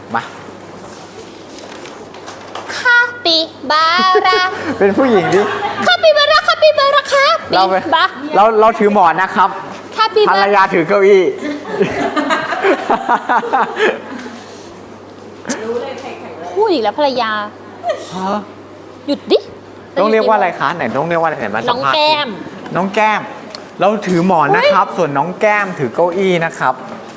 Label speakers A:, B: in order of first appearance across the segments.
A: มา
B: คาปิบาร่า
A: เป็นผู้หญิงดิ
B: คาปิบาร่าคาปิบาร่าคาปิบา
A: เราถือหมอนนะครับภรรยาถือเก้าอี้
B: พูดอีกแล้วภรรยาหยุดดิ
A: ต้องเรียกว่าอะไรคะไหนต้องเรียกว่าอะไรไหนมาสัมภาษณ์
B: น้องแก้ม
A: น้องแก้มเราถือหมอนนะครับส่วนน้องแก้มถือเก้าอี้นะครับ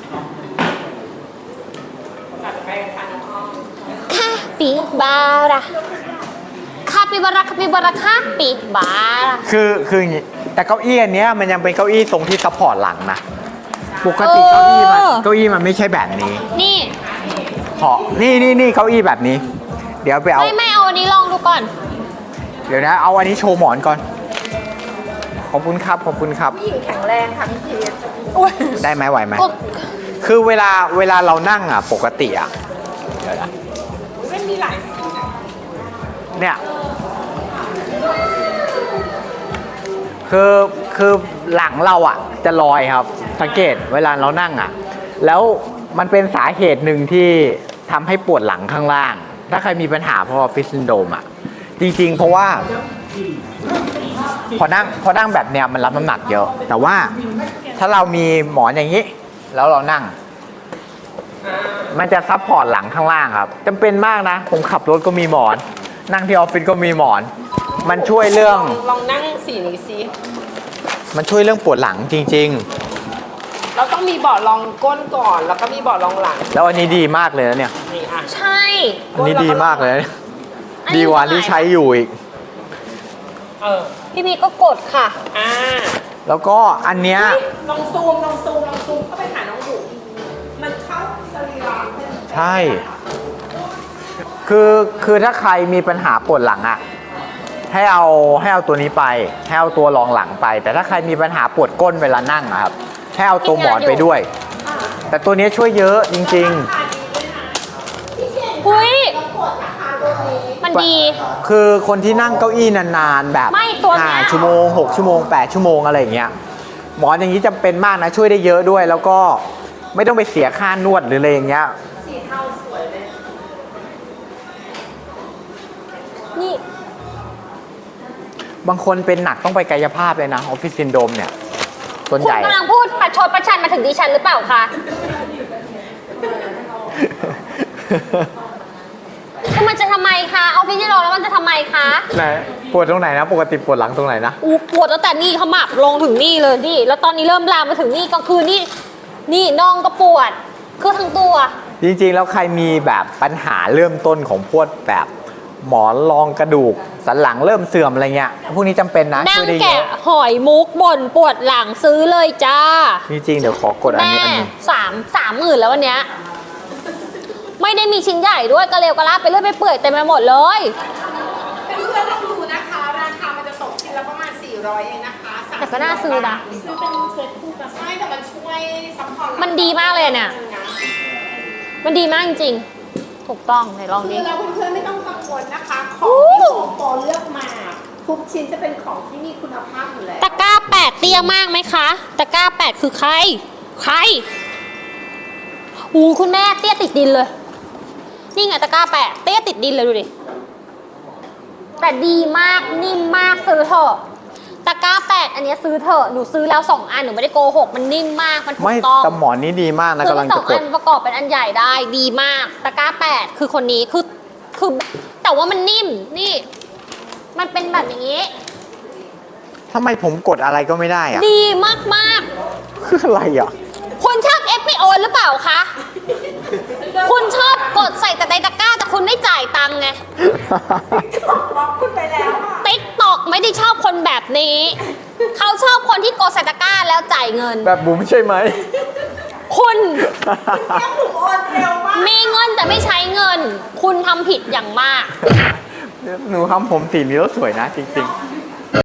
B: คาปิบาร่าคาปิบาร่าคาปิบาร่าคาปิบาร่า
A: คืออย่างนี้แต่เก้าอี้อันเนี้ยมันยังเป็นเก้าอี้ทรงที่ซัพพอร์ตหลังนะปกติเก้าอี้มันไม่ใช่แบบนี้
B: นี่
A: นี่เก้าอี้แบบนี้เดี๋ยวไปเอา
B: ไม่เอาอันนี้ลองดูก่อน
A: เดี๋ยวนะเอาอันนี้โชว์หมอนก่อนขอบคุณครับขอบคุณครับ
C: ผู้หญิงแข็งแรงค่ะพี่พีท
A: ได้ไหมไหวไหมคือเวลาเรานั่งอ่ะปกติอ่ะเดี๋ยวนะ
C: ไม่มีหลายสีนะ
A: เนี่ยคือหลังเราอ่ะจะลอยครับสังเกตเวลาเรานั่งอ่ะแล้วมันเป็นสาเหตุหนึ่งที่ทำให้ปวดหลังข้างล่างถ้าใครมีปัญหาเพราะออฟฟิศซินโดรมอ่ะจริงๆเพราะว่าพอนั่งแบบเนี้ยมันรับน้ำหนักเยอะแต่ว่าถ้าเรามีหมอนอย่างนี้แล้วเรานั่งมันจะซัพพอร์ตหลังข้างล่างครับจำเป็นมากนะผมขับรถก็มีหมอนนั่งที่ออฟฟิศก็มีหมอนมันช่วยเรื่อง
C: ลองนั่งสีนี้สิ
A: มันช่วยเรื่องปวดหลังจริง
C: ๆเราต้องมีเบาะรองก้นก่อนแล้วก็มีเบาะรองหลัง
A: แล้วอันนี้ดีมากเลยนะเนี่ย
B: ใช่
A: อันนี้ดีมากเลยดีกว่าที่ใช้อยู่อีก
B: พี่พีก็กดค่ะ
A: แล้วก็อันเนี้ย
C: ลองซูมเข้าไปหาน้องบุ๋มมันเข้าสรีระ
A: ใช่คือถ้าใครมีปัญหาปวดหลังอ่ะให้เอาตัวนี้ไปให้เอาตัวรองหลังไปแต่ถ้าใครมีปัญหาปวดก้นเวลานั่งอะครับให้เอาตัวหมอนไปด้วยแต่ตัวนี้ช่วยเยอะจริง
B: ๆอุ้ยมันดี
A: คือคนที่นั่งเก้าอี้นานๆแบบ5 ชั่วโมง6 ชั่วโมง8 ชั่วโมงอะไรอย่างเงี้ยหมอนอย่างนี้จำเป็นมากนะช่วยได้เยอะด้วยแล้วก็ไม่ต้องไปเสียค่านวดหรืออะไรอย่างเงี้ย
C: สีเทาสวยเลย
B: นี่
A: บางคนเป็นหนักต้องไปกายภาพเลยนะออฟฟิศซินโดรมเนี่ยส่วนใหญ่
B: คุณกำลังพูดประชดประชันมาถึงดิฉันหรือเปล่าคะคือมันจะทำไมคะออฟฟิศซินโดรมแล้วมันจะทำไมคะ
A: ไหนปวดตรงไหนนะปกติปวดหลังตรงไหนนะ
B: ปวดตั้งแต่นี่ขมับลงถึงนี่เลยดิแล้วตอนนี้เริ่มลามมาถึงนี่ก็คือนี่น่องก็ปวดคือทั้งตัว
A: จริงๆแล้วใครมีแบบปัญหาเริ่มต้นของพวกแบบหมอนรองกระดูกสันหลังเริ่มเสื่อมอะไรเงี้ยพวกนี้จำเป็นนะ
B: ช่วยได้เยอะนั่งแกะหอยมุกบ่นปวดหลังซื้อเลยจ้า
A: จริงๆเดี๋ยวขอกดอันนี้
B: 30,000แล้ววันเนี้ยไม่ได้มีชิ้นใหญ่ด้วยกระเลวกระลาไปเรื่อยไปเปื่อยเต็มไปหมดเลย
C: เป็นเพื่อนลองดูนะคะราคามันจะตกชิ้นละประมาณ400เองนะคะ
B: แต่ก็น่าซื้อนะ
C: ซื้อเป็นเซ็ตคู่กันใช่แต่มันช่วยซัพพอร์ต
B: มันดีมากเลยเนี่ยมันดีมากจริงๆถูกต้องไหนลองดิ
C: คือเราเพื่อนๆไม่ต้องกังวลนะคะของที่โอปอเลือกมาทุกชิ้นจะเป็นของที่มีคุณภาพอยู่แล้ว
B: ตะกร้า8เตี้ยมากไหมคะตะกร้า8คือใครคุณแม่เตี้ยติดดินเลยนี่ไงตะกร้า8เตี้ยติดดินเลยดูดิแต่ดีมากนิ่มมากซื้อเถอะตะกร้า8อันนี้ซื้อเถอะหนูซื้อแล้ว2อันหนูไม่ได้โกหกมันนิ่มมากมันถูกต้อง
A: แต่หมอนนี้ดีมากนะกำลังจะกด
B: 2 อันประกอบเป็นอันใหญ่ได้ดีมากตะกร้า8คือคนนี้คือแต่ว่ามันนิ่มนี่มันเป็นแบบนี้
A: ทำไมผมกดอะไรก็ไม่ได้อะ
B: ดีมาก
A: คืออะไรอ่ะ
B: คุณชอบเอฟพีโอหรือเปล่าคะคุณชอบกดใส่แต่ในตะกร้าแต่คุณไม่จ่ายตังค์ไง
C: บอกคุณไปแล้ว
B: ติ๊กตอกไม่ได้ชอบคนแบบนี้เขาชอบคนที่กดใส่ตะกร้าแล้วจ่ายเงิน
A: แบบบุ๋มใช่ไหม
B: คุณมีเงินแต่ไม่ใช้เงินคุณทำผิดอย่างมาก
A: หนูทำผมสีนี้แล้วสวยนะจริงๆ